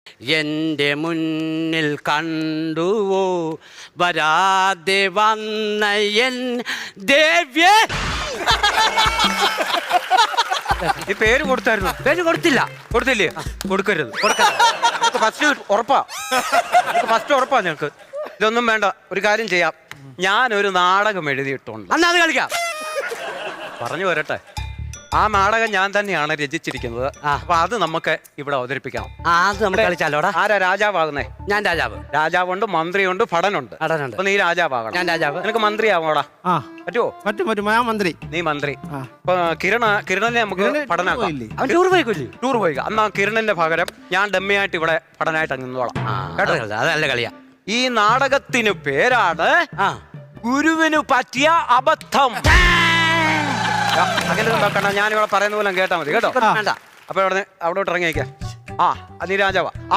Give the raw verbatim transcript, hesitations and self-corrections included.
എന്റെ മുന്നിൽ കണ്ടുവോ വരാതെ വന്ന എൻ ദേവ്യ. ഈ പേര് കൊടുത്തായിരുന്നു? പേര് കൊടുത്തില്ല. കൊടുത്തില്ലേ? കൊടുക്കരുത്. ഫസ്റ്റ് ഉറപ്പാ, ഫസ്റ്റ് ഉറപ്പാ ഞങ്ങൾക്ക്. ഇതൊന്നും വേണ്ട, ഒരു കാര്യം ചെയ്യാം. ഞാനൊരു നാടകം എഴുതിയിട്ടുണ്ട്. അന്നാ അത് കളിക്കാം. പറഞ്ഞു വരട്ടെ. ആ നാടകം ഞാൻ തന്നെയാണ് രചിച്ചിരിക്കുന്നത്. അപ്പൊ അത് നമുക്ക് ഇവിടെ അവതരിപ്പിക്കണം. ആ അത് നമുക്ക് കളിച്ചാലോടാ. ആരാ രാജാവാകുന്നേ? ഞാൻ രാജാവ്. രാജാവുണ്ട്, മന്ത്രിയുണ്ട്, ഭടനുണ്ട്. ഭടനുണ്ട്. അപ്പൊ നീ രാജാവാകണം. ഞാൻ രാജാവ്. നിനക്ക് മന്ത്രിയാവണോടാ? ആ പറ്റുമോ? പറ്റും പറ്റും. ഞാൻ മന്ത്രി. നീ മന്ത്രി. അപ്പൊ കിരണ കിരണനെ നമുക്ക് പഠനാക്കാം. അവൻ ടൂർ പോയിക്കൊല്ലി. ടൂർ പോയി. അന്നാ കിരണന്റെ പകരം ഞാൻ ഡമ്മിയായിട്ട് ഇവിടെ പഠനമായിട്ട് നിന്നോളാം. കേട്ടോ? അതല്ല കളിയാ. ഈ നാടകത്തിന് പേരാണ് ആ ഗുരുവിന് പറ്റിയ അബദ്ധം. അങ്ങനെ നോക്കണ്ട, ഞാനിവിടെ പറയുന്ന പോലെ കേട്ടാ മതി കേട്ടോ. വേണ്ട. അപ്പൊ അവിടെ അവിടോട്ട് ഇറങ്ങിയേക്കാം. ആ നീ രാജാവാ.